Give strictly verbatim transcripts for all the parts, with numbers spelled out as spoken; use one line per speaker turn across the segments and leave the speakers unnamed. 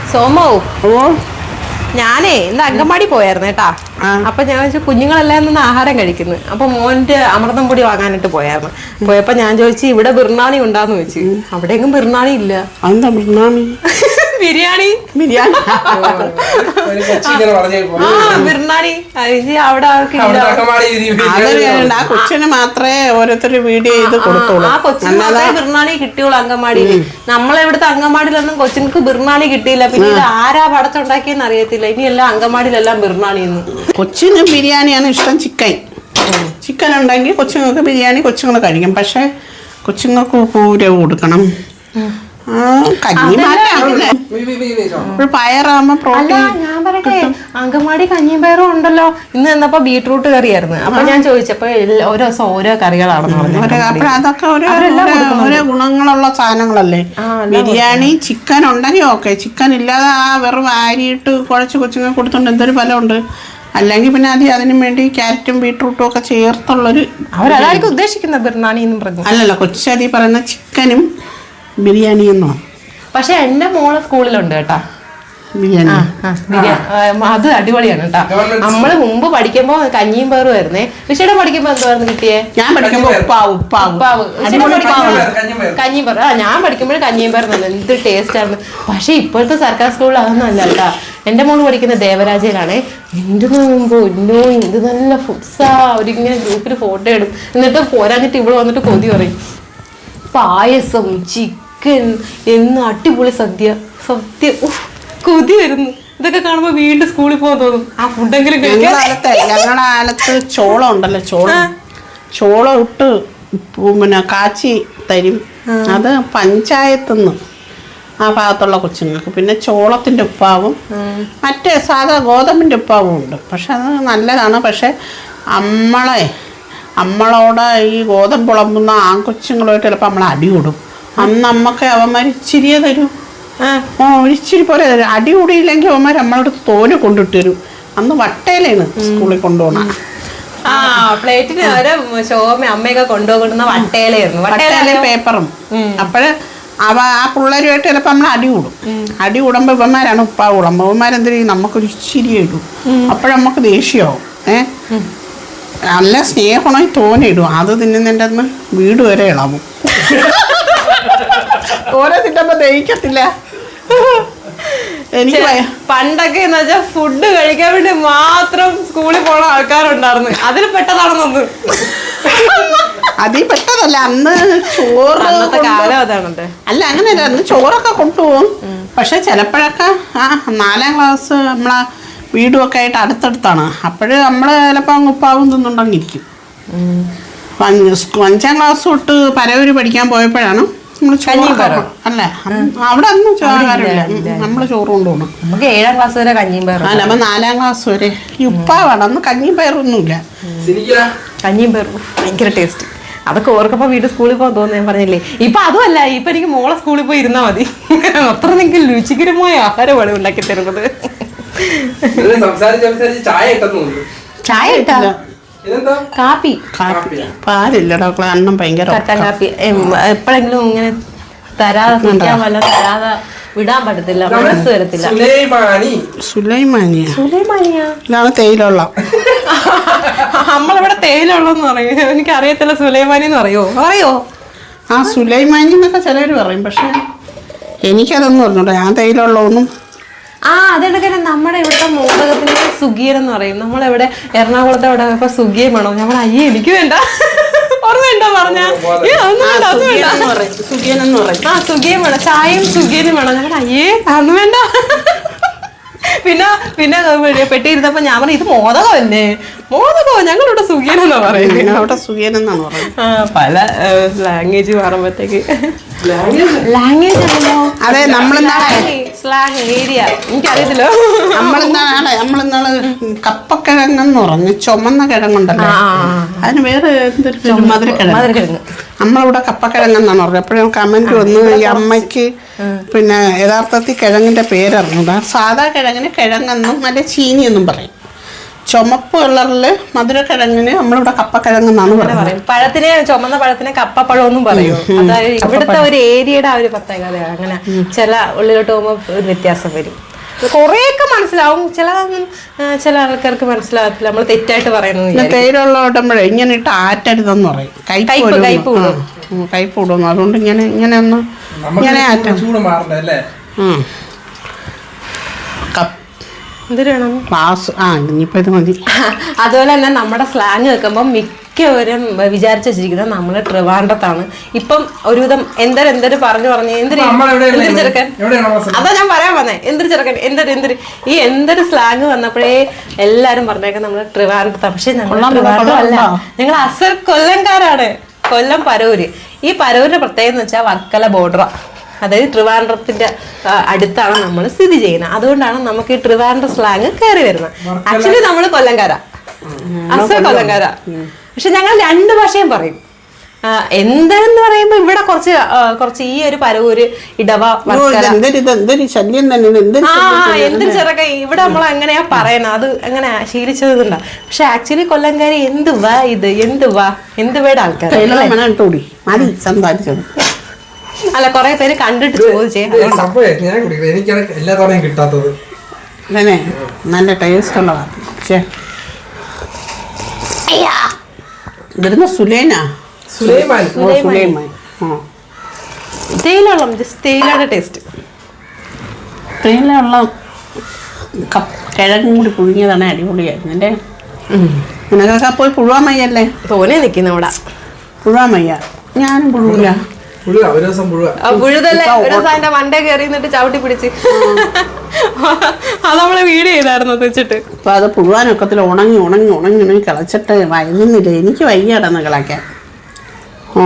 സോമോ ഞാനേ ഇന്ന് അങ്കമാടി പോയായിരുന്നു കേട്ടാ. അപ്പൊ ഞാൻ ചോദിച്ചു കുഞ്ഞുങ്ങളെല്ലാം നിന്ന് ആഹാരം കഴിക്കുന്നു. അപ്പൊ മോന്റെ അമൃതം പൊടി വാങ്ങാനായിട്ട് പോയായിരുന്നു. പോയപ്പോ ഞാൻ ചോദിച്ചു ഇവിടെ ബിർണാണി ഉണ്ടാന്ന് ചോദിച്ചു. അവിടെയെങ്കിലും ബിർണാണി ഇല്ല.
എന്താ ബിർണാണി?
ബിരിയാണി
ബിരിയാണി
ബിർണാണി അവിടെ
ആ കൊച്ചിന് മാത്രമേ ഓരോരുത്തര് വീഡിയോ ചെയ്ത് കൊടുത്തോളൂ.
ആ കൊച്ചിന് മാത്രമേ ബിർണാണി കിട്ടിയുള്ളൂ അങ്കമാടിയിൽ. നമ്മളെവിടുത്തെ അങ്കമാടിയിലൊന്നും കൊച്ചിനക്ക് ബിർണാണി കിട്ടിയില്ല. പിന്നെ ഇത് ആരാ പടച്ചുണ്ടാക്കിയെന്ന് അറിയത്തില്ല. ഇനിയെല്ലാം അങ്കമാടിയിലെല്ലാം ബിർണാണിന്ന്.
കൊച്ചിന് ബിരിയാണിയാണ് ഇഷ്ടം. ചിക്കൻ ചിക്കൻ ഉണ്ടെങ്കിൽ കൊച്ചുങ്ങൾക്ക് ബിരിയാണി കൊച്ചുങ്ങൾ കഴിക്കും. പക്ഷെ കൊച്ചുങ്ങൾക്ക് കൂര കൊടുക്കണം. കഞ്ഞി പയറാകുമ്പോ പ്രോട്ടീൻ.
ഞാൻ പറയട്ടെ അങ്കമാടി കഞ്ഞിയും പയറും ഉണ്ടല്ലോ. ഇന്ന് എന്നപ്പോ ബീട്രൂട്ട് കറിയായിരുന്നു. അപ്പൊ ഞാൻ ചോദിച്ചപ്പോ ഓരോ ദിവസം ഓരോ കറികളാണെന്ന് പറഞ്ഞു.
അപ്പൊ അതൊക്കെ ഓരോ ഗുണങ്ങളുള്ള സാധനങ്ങളല്ലേ. ബിരിയാണി ചിക്കൻ ഉണ്ടെങ്കിൽ ഓക്കെ. ചിക്കൻ ഇല്ലാതെ ആ വെറും അരിയിട്ട് കുഴച്ച് കൊച്ചുങ്ങൾ കൊടുത്തോണ്ട് എന്തൊരു ഫലമുണ്ട്. അല്ലെങ്കിൽ പിന്നെ അത് അതിനു വേണ്ടി ക്യാരറ്റും ബീട്രൂട്ടും ഒക്കെ ചേർത്തുള്ളൊരു
അവരതായിരിക്കും ഉദ്ദേശിക്കുന്ന ബിർണാണി എന്നും പറഞ്ഞു.
അല്ലല്ലോ കൊച്ചതി പറയുന്ന ചിക്കനും ബിരിയാണി എന്നോ. പക്ഷെ
എന്റെ മോള് സ്കൂളിലുണ്ട് കേട്ടാ
ബിരിയാണി.
അത് അടിപൊളിയാണ് കേട്ടാ. നമ്മള് മുമ്പ് പഠിക്കുമ്പോ കഞ്ഞിയും പയറും ആയിരുന്നേ. വിഷയുടെ പഠിക്കുമ്പോ എന്തായിരുന്നു കിട്ടിയേ?
ഞാൻ പഠിക്കുമ്പോ ഉപ്പാവ് ഉപ്പാവ്
കഞ്ഞിയും പയറും. ആ ഞാൻ പഠിക്കുമ്പോഴും കഞ്ഞിയും പയറും നല്ല എന്ത് ടേസ്റ്റ് ആയിരുന്നു. പക്ഷെ ഇപ്പോഴത്തെ സർക്കാർ സ്കൂളിൽ അതൊന്നും അല്ല കേട്ടാ. എന്റെ മോള് പഠിക്കുന്ന ദേവരാജയിലാണേ. എന്ത് നോക്കുമ്പോ ഇന്നോ എന്ത് നല്ല ഫുഡ്സാ. അവരിങ്ങനെ ഗ്രൂപ്പിൽ ഫോട്ടോ ഇടും. എന്നിട്ട് പോരാഞ്ഞിട്ട് ഇവിടെ വന്നിട്ട് കൊതി പറയും. പായസം ചിക്കൻ എന്ന് അടിപൊളി സദ്യ. സദ്യ കൊതി വരുന്നു. ഇതൊക്കെ കാണുമ്പോ വീണ്ടും സ്കൂളിൽ പോകാൻ തോന്നും. ആ ഫുഡെങ്കിലും
ഞങ്ങളുടെ കാലത്ത് ചോളം ഉണ്ടല്ലോ. ചോളം ചോളം ഇട്ട് പിന്നെ കാച്ചി തരും. അത് പഞ്ചായത്തുനിന്ന് ആ ഭാഗത്തുള്ള കൊച്ചുങ്ങൾക്ക്. പിന്നെ ചോളത്തിന്റെ ഉപ്പാവും മറ്റേ സാധാ ഗോതമ്പിന്റെ ഉപ്പാവും ഉണ്ട്. പക്ഷെ അത് നല്ലതാണ്. പക്ഷെ നമ്മളെ നമ്മളോട് ഈ ഗോതമ്പ് പുളമ്പുന്ന ആൺകൊച്ചുങ്ങളുമായിട്ട് ചിലപ്പോൾ നമ്മൾ അടി കൂടും. അന്ന് നമ്മക്ക് അവന്മാർ ഇച്ചിരിയെ തരും. ആ ഒരിച്ചിരി പോലെ തരും. അടി കൂടിയില്ലെങ്കിൽ അവന്മാർ നമ്മളടുത്ത് തോനെ കൊണ്ടിട്ട് തരും. അന്ന് വട്ടയിലാണ് സ്കൂളിൽ കൊണ്ടുപോകണം.
ആ പ്ലേറ്റിന് ശോഭ അമ്മയൊക്കെ കൊണ്ടുപോകുന്ന വട്ടയിലായിരുന്നു.
വട്ടയില പേപ്പറും. അപ്പോഴ് അവ ആ പിള്ളേരുമായിട്ട് ചിലപ്പോൾ നമ്മൾ അടി കൂടും. അടി കൂടുമ്പോൾ ഇവന്മാരാണ് ഉപ്പാ കുളം. അവന്മാരെന്തിനും നമുക്കൊരു ഇച്ചിരി ഇടും. അപ്പോഴമ്മക്ക് ദേഷ്യമാവും. ഏഹ് നല്ല സ്നേഹമായി തോന്നിയിടും. അത് തിന്നുന്നതിൻ്റെ അന്ന് വീട് വരെ ഇളവും. ഓരോ തിന്നുമ്പോ ദഹിക്കത്തില്ല. എനിക്ക്
പണ്ടൊക്കെ എന്ന് വെച്ചാൽ ഫുഡ് കഴിക്കാൻ വേണ്ടി മാത്രം സ്കൂളിൽ പോണ ആൾക്കാരുണ്ടായിരുന്നു. അതിൽ പെട്ടതാണെന്നൊന്ന്
അതിൽ പെട്ടതല്ല. അന്ന് ചോറ്
കാലം അതാണ്.
അല്ല അങ്ങനെയല്ല. അന്ന് ചോറൊക്കെ കൊണ്ടുപോകും. പക്ഷെ ചിലപ്പോഴൊക്കെ ആ നാലാം ക്ലാസ് നമ്മളെ വീടുമൊക്കെ ആയിട്ട് അടുത്തടുത്താണ്. അപ്പോഴ് നമ്മൾ ചിലപ്പോൾ അങ്ങ് ഉപ്പാവും തിന്നുണ്ടെങ്കിരിക്കും. അഞ്ചാം ക്ലാസ് തൊട്ട് പരവൂര് പഠിക്കാൻ പോയപ്പോഴാണ് നമ്മൾ ചോറ്. അല്ല അവിടെ ഒന്നും ചോറില്ല. നമ്മൾ ചോറ് കൊണ്ടുപോകണം.
നമുക്ക് ഏഴാം ക്ലാസ് വരെ കഞ്ഞിയും പയറും.
അല്ല അപ്പൊ നാലാം ക്ലാസ് വരെ ഈ ഉപ്പാവാണ്. അന്ന് കഞ്ഞിയും പയറൊന്നുമില്ല.
കഞ്ഞിയും പയറും ഭയങ്കര ടേസ്റ്റ്. അതൊക്കെ ഓർക്കപ്പോ വീട്ടിൽ സ്കൂളിൽ പോകാൻ തോന്നുന്നു. ഞാൻ പറഞ്ഞില്ലേ. ഇപ്പൊ അതുമല്ല. ഇപ്പൊ എനിക്ക് മോളെ സ്കൂളിൽ പോയി ഇരുന്നാ മതി. അത്ര നിങ്ങൾക്ക് രുചികരമായ ആഹാരമാണ് ഉണ്ടാക്കി തരുന്നത്. ചായ ഇട്ടാ കാപ്പി
പാലില്ലടാ. അണ്ണം ഭയങ്കര
കട്ടൻ കാപ്പി. എപ്പോഴെങ്കിലും ഇങ്ങനെ തരാതെ കുടിക്കാൻ വല്ല തരാതെ വിടാൻ പറ്റത്തില്ല. മനസ്സ് വരത്തില്ല.
സുലൈമാനിയ
സുലൈമാനിയ
ഇതാണ് തേയിലുള്ള.
നമ്മളിവിടെ തേയിലുള്ളെന്ന് പറയും. എനിക്ക് അറിയത്തില്ല. സുലൈമാനി എന്ന് പറയോ പറയോ
ആ സുലൈമാനി എന്നൊക്കെ ചിലർ പറയും. പക്ഷെ എനിക്കതൊന്നും പറഞ്ഞോട്ടെ. ഞാൻ തേയിലുള്ളതൊന്നും.
ആ അതെടുക്കെ നമ്മുടെ ഇവിടുത്തെ മോദകത്തിന് സുഗിയൻ എന്ന് പറയും. നമ്മളെവിടെ എറണാകുളത്തെ അവിടെ ഇപ്പൊ സുഗിയൻ വേണോ? ഞമ്മൾ അയ്യേ എനിക്ക് വേണ്ട ഓർമ്മയുണ്ടോ പറഞ്ഞ ആ സുഗിയൻ വേണം. ചായയും സുഗിയനും വേണം. ഞങ്ങൾ അയ്യേ അതൊന്നും വേണ്ട. പിന്നെ പിന്നെ പെട്ടിയിരുന്നപ്പോ ഞാൻ പറഞ്ഞു ഇത് മോദകമല്ലേ? മോദകോ? ഞങ്ങളിവിടെ സുഖിയനെന്നാ പറയുന്നത്.
അവിടെ സുഖിയനെന്നാണ് പറയുന്നത്.
ആ പല ലാംഗ്വേജ് മാറുമ്പോഴത്തേക്ക് ലാംഗ്വേജ് ആണല്ലോ.
അതെ നമ്മളെന്താണ്
സ്ലാങ് ഏരിയ എനിക്കറിയത്തില്ലോ.
നമ്മളെന്താണ് നമ്മളിന്നാള് കപ്പക്കിഴങ്ങെന്ന് പറഞ്ഞു. ചുമന്ന കിഴങ്ങുണ്ടല്ലോ. അതിന് വേറെ എന്തൊരു മധുരക്കിഴങ്ങ്. നമ്മളിവിടെ കപ്പക്കിഴങ്ങെന്നാണ് പറഞ്ഞത്. എപ്പോഴും കമന്റ് വന്നു ഈ അമ്മയ്ക്ക് പിന്നെ യഥാർത്ഥത്തിൽ കിഴങ്ങിന്റെ പേരറിഞ്ഞൂടാ. സാധാ കിഴങ്ങിന് കിഴങ്ങെന്നും അല്ലെ ചീനിയെന്നും പറയും. ചുമപ്പ് കളറില് മധുരക്കിഴങ്ങിന് നമ്മളിവിടെ കപ്പക്കിഴങ്ങെന്നാണ് പറയുന്നത്.
പഴത്തിനെ ചുമന്ന പഴത്തിനെ കപ്പപ്പഴം ഒന്നും പറയും. അതായത് ഇവിടുത്തെ ഒരു ഏരിയയുടെ ആ ഒരു പ്രത്യേകതയാണ്. അങ്ങനെ ചില ഉള്ളിലോട്ട് പോകുമ്പോൾ ഒരു വ്യത്യാസം വരും. കൊറേയൊക്കെ മനസ്സിലാവും, ചില ചില ആൾക്കാർക്ക് മനസ്സിലാകത്തില്ല. നമ്മൾ തെറ്റായിട്ട് പറയുന്നത്.
തേയിലുള്ള ഓടുമ്പോഴേ ഇങ്ങനെ ഇട്ട് ആറ്റരുതെന്ന് പറയും. കൈപ്പ് കൈപ്പ് കൂടും കൈപ്പ് കൂടും അതുകൊണ്ട് ഇങ്ങനെ ഇങ്ങനെ ഒന്ന് ഇങ്ങനെ ആറ്റ ക്ലാസ് ആ ഇനിയിപ്പോ ഇത് മതി.
അതുപോലെ തന്നെ നമ്മുടെ സ്ലാങ് കേൾക്കുമ്പോൾ മിക്കവരും വിചാരിച്ചു വെച്ചിരിക്കുന്നത് നമ്മള് ട്രിവാൻഡ്രത്താണ്. ഇപ്പം ഒരുവിധം എന്തൊരു എന്തൊരു പറഞ്ഞു പറഞ്ഞു എന്തൊരു എന്തൊരു ചെറുക്കൻ, അതാ ഞാൻ പറയാൻ വന്നേ, എന്തൊരു ചെറുക്കൻ എന്തൊരു എന്തൊരു ഈ എന്തൊരു സ്ലാങ് വന്നപ്പോഴേ എല്ലാരും പറഞ്ഞേക്കാൻ നമ്മള് ട്രിവാൻഡ്രത്താണ്. പക്ഷെ ഞങ്ങൾ ട്രിവാൻഡ്രം അല്ല, ഞങ്ങൾ അസൽ കൊല്ലംകാരാണ്. കൊല്ലം പരൂര്. ഈ പരൂരിന്റെ പ്രത്യേകത എന്ന് വെച്ചാൽ വർക്കല ബോർഡർ, അതായത് ട്രിവാൻഡ്രത്തിന്റെ അടുത്താണ് നമ്മൾ സ്ഥിതി ചെയ്യുന്നത്. അതുകൊണ്ടാണ് നമുക്ക് ഈ ട്രിവാൻഡ്രം സ്ലാങ് കയറി വരുന്നത്. ആക്ച്വലി നമ്മൾ കൊല്ലംകാരാ, അസൽ കൊല്ലംകാരാ. പക്ഷെ ഞങ്ങൾ രണ്ട് ഭാഷയും പറയും. എന്താന്ന് പറയുമ്പോ ഇവിടെ കുറച്ച് കുറച്ച് ഈ ഒരു പരവൂര് ഇടവ എന്തൊരു ചെറുക്ക ഇവിടെ നമ്മൾ എങ്ങനെയാ പറയണ, അത് അങ്ങനെ ശീലിച്ചതുണ്ടാ. പക്ഷെ ആക്ച്വലി കൊല്ലംകാരി എന്തുവാ ഇത്, എന്തുവാ എന്തുവേടെ ആൾക്കാർ അല്ല, കൊറേ പേര് കണ്ടിട്ട് ചോദിച്ചേ.
കിട്ടാത്തത്
നല്ല ടേസ്റ്റ് ഉള്ളതാണ്. ഇവിടുന്ന് സുലേനാ
തേയിലുള്ള തേയിലയുടെ ടേസ്റ്റ്.
തേയിലുള്ള കിഴങ്ങും കൂടി പുഴുങ്ങിയതാണ് അടിപൊളിയായിരുന്നു. എൻ്റെ നിനക്കൊക്കെ പോയി പുഴുവാമയ്യല്ലേ
തോനെ നിൽക്കുന്ന ഇവിടെ.
പുഴുവാമയ്യ ഞാനും പുഴുവില്ല.
പുഴുതല്ലേ ഒരു ദിവസം അതിന്റെ മണ്ടേ കയറി നിന്നിട്ട് ചവിട്ടി പിടിച്ച് അത് നമ്മള് വീട് ചെയ്തായിരുന്നു വെച്ചിട്ട്.
അപ്പൊ അത് പുഴുവാനൊക്കത്തിൽ ഉണങ്ങി ഉണങ്ങി ഉണങ്ങി ഉണങ്ങി കിളച്ചിട്ട് വൈകുന്നില്ല. എനിക്ക് വയ്യാടന്ന് കിളയ്ക്കാൻ. ആ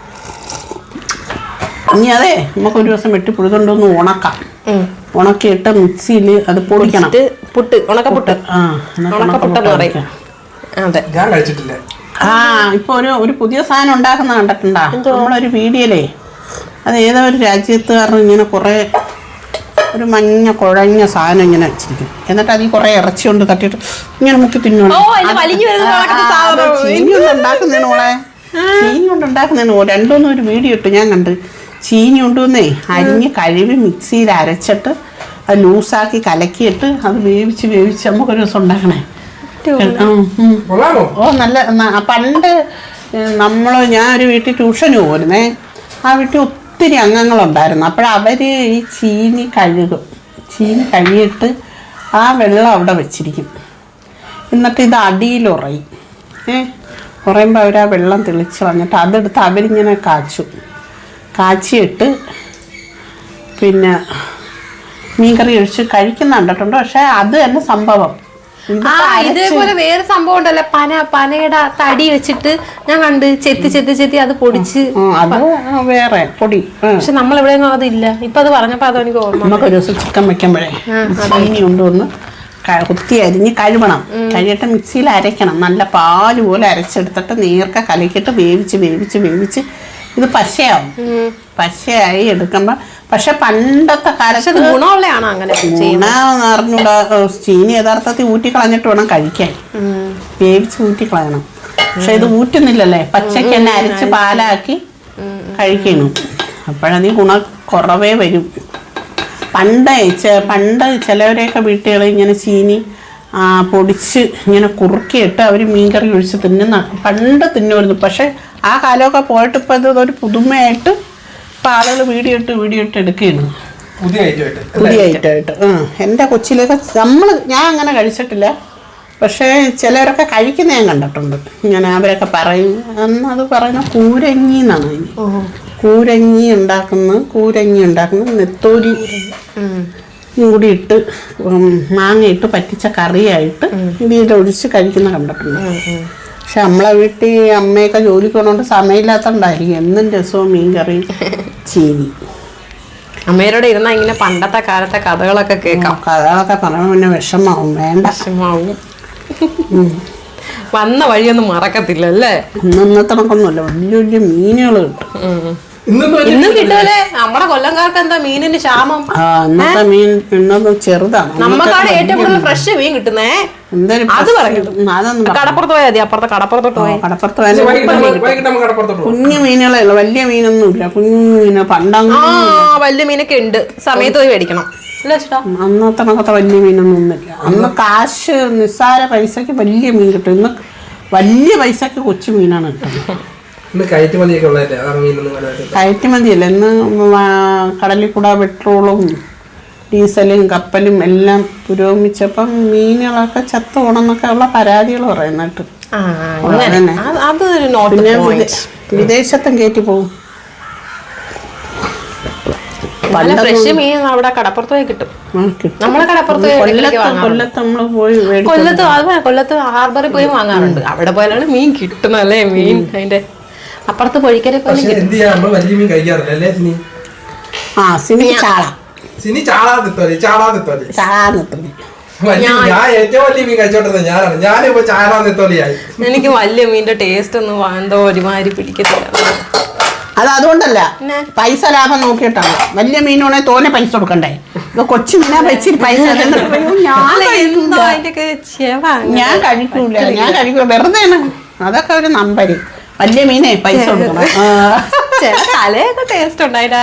ഇനി അതെ നമുക്കൊരു ദിവസം വെട്ടി പുഴുതുകൊണ്ടൊന്ന് ഉണക്കാം. ഉണക്കിയിട്ട് മിക്സിയിൽ അത് പൊടിക്കണം.
പുട്ട് ഉണക്കപ്പുട്ട്.
ആ ഉണക്കപ്പുട്ടെന്ന് പറയും.
അതെ,
ഞാൻ കഴിച്ചിട്ടില്ല.
ആ ഇപ്പൊ ഒരു ഒരു പുതിയ സാധനം ഉണ്ടാക്കുന്ന കണ്ടിട്ടുണ്ടാ നമ്മളൊരു വീഡിയോയിലേ? അത് ഏതോ ഒരു രാജ്യത്തുകാരൻ ഇങ്ങനെ കുറെ ഒരു മഞ്ഞ കുഴഞ്ഞ സാധനം ഇങ്ങനെ വെച്ചിരിക്കും. എന്നിട്ട് അതിൽ കുറെ ഇറച്ചി കൊണ്ട് തട്ടിയിട്ട് ഇങ്ങനെ മുക്കി തിന്നോളെ ചീനി കൊണ്ട് ഉണ്ടാക്കുന്നതിന് മോളെ ചീനി കൊണ്ട് ഉണ്ടാക്കുന്നതിന് രണ്ടൊന്നും ഒരു വീഡിയോ ഇട്ട് ഞാൻ കണ്ട്. ചീനി കൊണ്ടുവന്നേ അരിഞ്ഞ് കഴുകി മിക്സിയിൽ അരച്ചിട്ട് അത് ലൂസാക്കി കലക്കിയിട്ട് അത് വേവിച്ച് വേവിച്ച് നമുക്കൊരു ദിവസം ഉണ്ടാക്കണേ. ഓ നല്ല. പണ്ട് നമ്മൾ ഞാൻ ഒരു വീട്ടിൽ ട്യൂഷന് പോരുന്നേ. ആ വീട്ടിൽ ഒത്തിരി അംഗങ്ങളുണ്ടായിരുന്നു. അപ്പോഴവർ ഈ ചീനി കഴുകും. ചീനി കഴുകിയിട്ട് ആ വെള്ളം അവിടെ വെച്ചിരിക്കും. എന്നിട്ട് ഇത് അടിയിൽ ഉറയും. ഏ ഉറയുമ്പോൾ അവർ ആ വെള്ളം തെളിച്ച് വന്നിട്ട് അതെടുത്ത് അവരിങ്ങനെ കാച്ചും. കാച്ചിയിട്ട് പിന്നെ മീൻകറി ഒഴിച്ച് കഴിക്കുന്ന കണ്ടിട്ടുണ്ട്. പക്ഷേ അത് തന്നെ സംഭവം.
ഇതേപോലെ വേറെ സംഭവം ഉണ്ടല്ലോ, പന പനയുടെ തടി വെച്ചിട്ട് ഞാൻ കണ്ട് ചെത്തി ചെത്തി ചെത്തി അത് പൊടിച്ച്
വേറെ പൊടി.
പക്ഷെ നമ്മളെവിടെയൊന്നും അതില്ല. ഇപ്പൊ അത് പറഞ്ഞപ്പോ അത് എനിക്ക് ഓർമ്മ.
നമുക്ക് ഒരു ദിവസം ചിക്കൻ വെക്കുമ്പോഴേ ചീനി കൊണ്ടുവന്ന് കുത്തി അരിഞ്ഞ് കഴുകണം. കഴുകിയിട്ട് മിക്സിയിൽ അരയ്ക്കണം. നല്ല പാല് പോലെ അരച്ചെടുത്തിട്ട് നേർക്ക കലക്കിയിട്ട് വേവിച്ച് വേവിച്ച് വേവിച്ച് ഇത് പശയാവും. പശയായി എടുക്കുമ്പോൾ പക്ഷെ പണ്ടത്തെ കാലത്ത്
ഗുണമുള്ളതാണ്. അങ്ങനെ
ഗുണമെന്ന് അറിഞ്ഞൂടാ. ചീനി യഥാർത്ഥത്തിൽ ഊറ്റിക്കളഞ്ഞിട്ട് വേണം കഴിക്കാൻ. വേവിച്ച് ഊറ്റിക്കളയണം. പക്ഷെ ഇത് ഊറ്റുന്നില്ലല്ലേ, പച്ചയ്ക്ക് തന്നെ അരച്ച് പാലാക്കി കഴിക്കണം. അപ്പോഴതീ ഗുണം കുറവേ വരും. പണ്ട് പണ്ട് ചിലവരെയൊക്കെ വീട്ടുകൾ ഇങ്ങനെ ചീനി പൊടിച്ച് ഇങ്ങനെ കുറുക്കിയിട്ട് അവർ മീൻകറി ഒഴിച്ച് തിന്നുന്ന പണ്ട് തിന്നുമായിരുന്നു. പക്ഷെ ആ കാലമൊക്കെ പോയിട്ട് ഇപ്പം ഇതൊരു പുതുമയായിട്ട് ഇപ്പം ആളുകൾ വീഡിയോ ഇട്ട് വീഡിയോ ഇട്ട് എടുക്കുകയാണ്.
പുതിയ ഐറ്റമായിട്ട്
പുതിയ ഐറ്റമായിട്ട് ആ എൻ്റെ കൊച്ചിലൊക്കെ നമ്മൾ ഞാൻ അങ്ങനെ കഴിച്ചിട്ടില്ല. പക്ഷേ ചിലരൊക്കെ കഴിക്കുന്ന ഞാൻ കണ്ടിട്ടുണ്ട്. ഇങ്ങനെ അവരൊക്കെ പറയും അത് പറയുന്ന കൂരങ്ങി എന്നാണ്. അതിന് കൂരങ്ങി ഉണ്ടാക്കുന്ന കൂരങ്ങി ഉണ്ടാക്കുന്ന നെത്തോലി കൂടി ഇട്ട് മാങ്ങയിട്ട് പറ്റിച്ച കറിയായിട്ട് ഇതിലൊഴിച്ച് കഴിക്കുന്ന കണ്ടിട്ടുണ്ട്. പക്ഷെ നമ്മളെ വീട്ടിൽ അമ്മയൊക്കെ ജോലിക്ക് പോകുന്നതുകൊണ്ട് സമയമില്ലാത്തതുകൊണ്ടായിരിക്കും എന്നും രസവും മീൻ കറി ചീനി.
അമ്മയോടെ ഇരുന്ന ഇങ്ങനെ പണ്ടത്തെ കാലത്തെ കഥകളൊക്കെ കേൾക്കാം.
കഥകളൊക്കെ പറയുമ്പോൾ പിന്നെ വിഷമാവും. വേണ്ട,
വിഷമാവും. വന്ന വഴിയൊന്നും മറക്കത്തില്ല അല്ലേ?
ഇന്നത്തെ കണക്കൊന്നുമില്ല. വലിയ വലിയ മീനുകൾ കിട്ടും.
ഇന്നും കിട്ടൂലേ? നമ്മുടെ കൊല്ലംകാർക്ക് എന്താ മീനിന് ക്ഷാമം?
ഇന്നത്തെ മീൻ ഇന്നൊന്നും ചെറുതാണ്.
നമ്മക്കാണ് ഏറ്റവും കൂടുതൽ ഫ്രഷ് മീൻ കിട്ടുന്നേ. അത് പറയുന്നത് കടപ്പുറത്ത് പോയാൽ മതി. അപ്പുറത്തെ കടപ്പുറത്തോട്ട് പോയി
കടപ്പുറത്ത് കുഞ്ഞു മീനുകളേ ഉള്ളു, വലിയ മീനൊന്നും ഇല്ല. കുഞ്ഞു മീന് പണ്ടങ്ങ
വലിയ മീനൊക്കെ ഉണ്ട്, സമയത്ത് പോയി മേടിക്കണം.
അന്നത്തെ കണക്കത്തെ വലിയ മീനൊന്നും ഒന്നുമില്ല. അന്ന് കാശ് നിസ്സാര പൈസക്ക് വലിയ മീൻ കിട്ടും. ഇന്ന് വലിയ പൈസക്ക് കൊച്ചു മീനാണ് കിട്ടുന്നത്. കയറ്റുമതിയല്ല ഇന്ന് കടലിൽ കൂടെ പെട്രോളും ഡീസലും കപ്പലും എല്ലാം പുരോഗമിച്ചപ്പം മീനുകളൊക്കെ ചത്തു പോണെന്നൊക്കെ ഉള്ള പരാതികൾ പറയുന്നിട്ട്. പിന്നെ വിദേശത്തും കയറ്റി പോകും.
ഫ്രഷ് മീൻ അവിടെ കടപ്പുറത്ത് പോയി കിട്ടും. നമ്മളെ കടപ്പുറത്ത്
കൊല്ലത്ത് നമ്മള് പോയി
കൊല്ലത്ത് കൊല്ലത്ത് ഹാർബറിൽ പോയി വാങ്ങാറുണ്ട്. അവിടെ പോയാലാണ് മീൻ കിട്ടുന്നല്ലേ. മീൻ അതിന്റെ അപ്പുറത്ത് പൊഴിക്കരെ പോലെ
ആ സിനി ചാള
സിനി ചാളാതെത്തോലി ചാളാതെത്തോലി
ചാളാന്നെത്തോലി
ഞാൻ ഏറ്റവും വലിയ മീൻ കഴിച്ചോണ്ടിരുന്ന ഞാനാണ്. ഞാനിപ്പോ ചാളാന്നെത്തോലിയായി.
എനിക്ക് വലിയ മീനിന്റെ ടേസ്റ്റ് ഒന്നും എന്തോ ഒരുമാതിരി പിടിക്കത്തില്ല.
അത് അതുകൊണ്ടല്ല, പൈസ ലാഭം നോക്കിയിട്ടാണ്. വലിയ മീനാണെ തോനെ പൈസ കൊടുക്കണ്ടേ. ഇത് കൊച്ചു മീനാ വെച്ചിട്ട് പൈസ ഞാൻ കഴിക്കൂല ഞാൻ കഴിക്കൂല വെറുതെ. അതൊക്കെ ഒരു നമ്പര്. വലിയ മീനെ പൈസ കൊടുക്കണം.
തലയൊക്കെ ടേസ്റ്റ് ഉണ്ട്.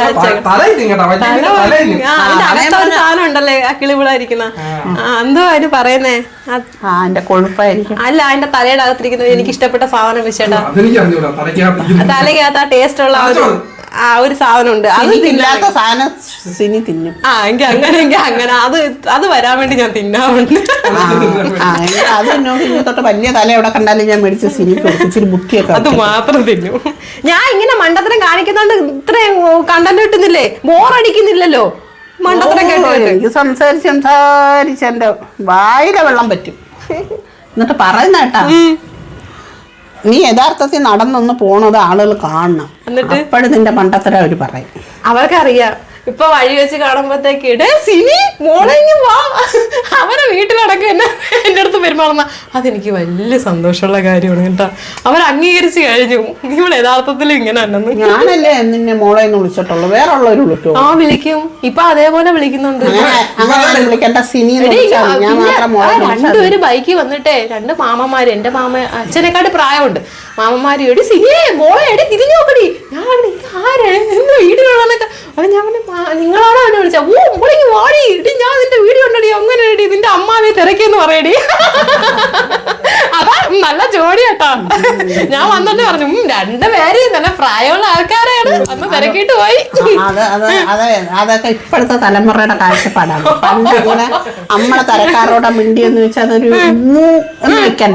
സാധനം ഉണ്ടല്ലേ കിളിവിളായിരിക്കുന്ന എന്തോ അതിന് പറയുന്നേ.
അതിന്റെ കൊഴുപ്പായിരിക്കും.
അല്ല, അതിന്റെ തലയുടെ അകത്തിരിക്കുന്നത് എനിക്ക് ഇഷ്ടപ്പെട്ട സാധനം വെച്ചേട്ടാ. തലയ്ക്കകത്ത് ആ ടേസ്റ്റ് ഉള്ള ആ ഒരു സാധനം ഉണ്ട്. അത്
തിന്നാത്ത സാധനം സിനി തിന്നും.
ആ എങ്കിൽ അങ്ങനെ എങ്കിൽ അങ്ങനെ അത് അത് വരാൻ വേണ്ടി ഞാൻ തിന്നാറുണ്ട്.
അത് എന്നോട് തൊട്ട് വലിയ തല എവിടെ കണ്ടാലും ഞാൻ മേടിച്ച് സിനി ഇച്ചിരി ബുക്കിയൊക്കെ
അത് മാത്രം തിന്നും. ഞാൻ ഇങ്ങനെ മണ്ടത്തരം കാണിക്കുന്നോണ്ട് ഇത്രയും കണ്ടന്റ് കിട്ടുന്നില്ലേ? ബോറടിക്കുന്നില്ലല്ലോ മണ്ടത്തരം കേട്ടോ.
എനിക്ക് സംസാരിച്ച് സംസാരിച്ച് എന്റെ വായിലെ വെള്ളം പറ്റും. എന്നിട്ട് പറയുന്ന കേട്ടാ, നീ യഥാർത്ഥത്തിൽ നടന്നൊന്ന് പോണത് ആളുകൾ കാണണം. അപ്പോഴും നിന്റെ മണ്ടത്തരം അവര് പറയും.
അവർക്കറിയാം. ഇപ്പൊ വഴി വെച്ച് കാണുമ്പോഴത്തേക്ക് ഇടേ സിനി മോളെങ്കിൽ വാ, അവരെ വീട്ടിലടക്കം എന്നെ എൻ്റെ അടുത്ത് പെരുമാറുന്ന അതെനിക്ക് വലിയ സന്തോഷമുള്ള കാര്യമാണ് കേട്ടോ. അവർ അംഗീകരിച്ച് കഴിഞ്ഞു ഇവിടെ യഥാർത്ഥത്തിൽ ഇങ്ങനെ തന്നെ.
ഞാനല്ലേ നിന്നെ മോളെ എന്ന് വിളിച്ചിട്ടുള്ളൂ, വേറെ ഉള്ളവര് വിളിക്കും.
ആ വിളിക്കും. ഇപ്പൊ അതേപോലെ വിളിക്കുന്നുണ്ട്.
വിളിക്കേണ്ട സിനി
രണ്ടുപേര് ബൈക്കിൽ വന്നിട്ടേ, രണ്ട് മാമന്മാര്, എന്റെ മാമ അച്ഛനെക്കാട്ട് പ്രായമുണ്ട്. മാമന്മാര് എടി സിനിയെ മോളെ എടി തിരിഞ്ഞു നോക്കടി. ഞാൻ ആരെ എന്റെ വീട്ടിലുള്ളതൊക്കെ അപ്പൊ ഞാൻ നിങ്ങളാണോ എന്നെ വിളിച്ച? ഓ മോളേക്ക് വാടി ഇടി, ഞാൻ നിന്റെ വീഡിയോ ഉണ്ടടി, അങ്ങനെ ഇടി, നിന്റെ അമ്മാവിയെ തിരക്കിയെന്ന് പറയടി. അതാ നല്ല ജോഡി കേട്ടോ. ഞാൻ വന്നിട്ട് പറഞ്ഞു രണ്ടു പേര് നല്ല പ്രായമുള്ള ആൾക്കാരാണ്, അന്ന് തിരക്കിട്ട് പോയി.
അതൊക്കെ ഇപ്പോഴത്തെ തലമുറയുടെ കാഴ്ചപ്പാടാണ്. പണ്ട് ഇങ്ങനെ നമ്മളെ തരക്കാരോടെ മിണ്ടി എന്ന് വെച്ചാൽ അതൊരു എന്ന് വെക്കണ്ട.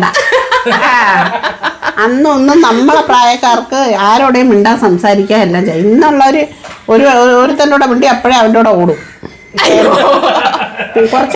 അന്നൊന്നും നമ്മളെ പ്രായക്കാർക്ക് ആരോടെയും മിണ്ടാൻ സംസാരിക്കാൻ എല്ലാം ചെയ്യും. ഇന്നുള്ളവര് ഒരു ഒരുത്തൻ്റെ കൂടെ മിണ്ടി അപ്പോഴേ അവൻ്റെ കൂടെ ഓടും. കുറച്ച്